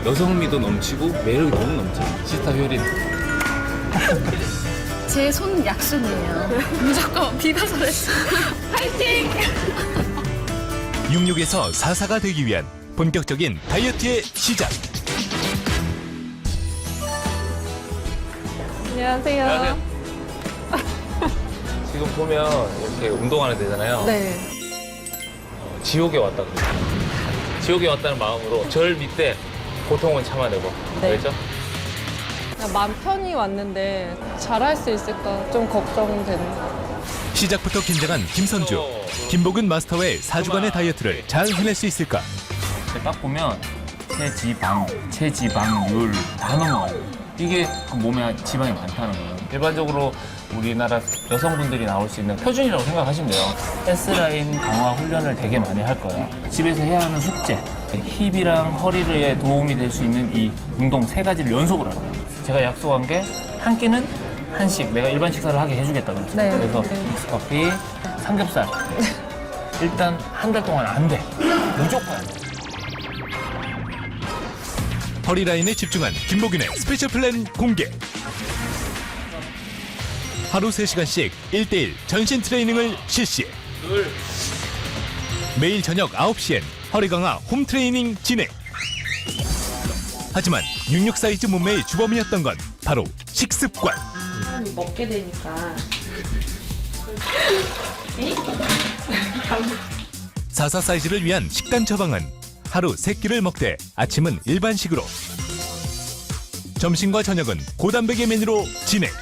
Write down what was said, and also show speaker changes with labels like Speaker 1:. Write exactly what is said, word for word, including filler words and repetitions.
Speaker 1: 여성미도 넘치고 매력이 너무 넘쳐요. 시스타 효린.
Speaker 2: 제 손 약순이에요. 무조건 비벼서 했어. 파이팅!
Speaker 3: 육십육에서 사십사가 되기 위한 본격적인 다이어트의 시작.
Speaker 4: 안녕하세요.
Speaker 1: 안녕하세요. 지금 보면 이렇게 운동하는 데잖아요.
Speaker 4: 네.
Speaker 1: 지옥에 왔다 그래요. 지옥에 왔다는 마음으로 절 밑에 고통은 참아내고.
Speaker 4: 네.
Speaker 1: 알겠죠?
Speaker 4: 그냥 마음 편히 왔는데 잘할 수 있을까 좀 걱정되는.
Speaker 3: 시작부터 긴장한 김선주. 김복은 마스터의 사 주간의 다이어트를 잘 해낼 수 있을까?
Speaker 5: 딱 보면 체지방, 체지방률 다 넘어가요. 이게 그 몸에 지방이 많다는 거예요. 일반적으로 우리나라 여성분들이 나올 수 있는 표준이라고 생각하시면 돼요. S라인 강화 훈련을 되게 많이 할 거예요. 집에서 해야 하는 숙제, 힙이랑 허리에 도움이 될 수 있는 이 운동 세 가지를 연속으로 하는 거예요. 제가 약속한 게 한 끼는 한식, 내가 일반 식사를 하게 해주겠다 그랬죠.
Speaker 4: 네.
Speaker 5: 그래서
Speaker 4: 네.
Speaker 5: 믹스커피, 삼겹살. 일단 한 달 동안 안 돼. 무조건 안 돼.
Speaker 3: 허리라인에 집중한 김복윤의 스페셜 플랜 공개. 하루 세 시간씩 일 대일 전신 트레이닝을 실시. 매일 저녁 아홉 시엔 허리 강화 홈 트레이닝 진행. 하지만 육십육 사이즈 몸매의 주범이었던 건 바로 식습관.
Speaker 6: 먹게 되니까
Speaker 3: 사십사 사이즈를 위한 식단 처방은 하루 세 끼를 먹되 아침은 일반식으로, 점심과 저녁은 고단백의 메뉴로 진행.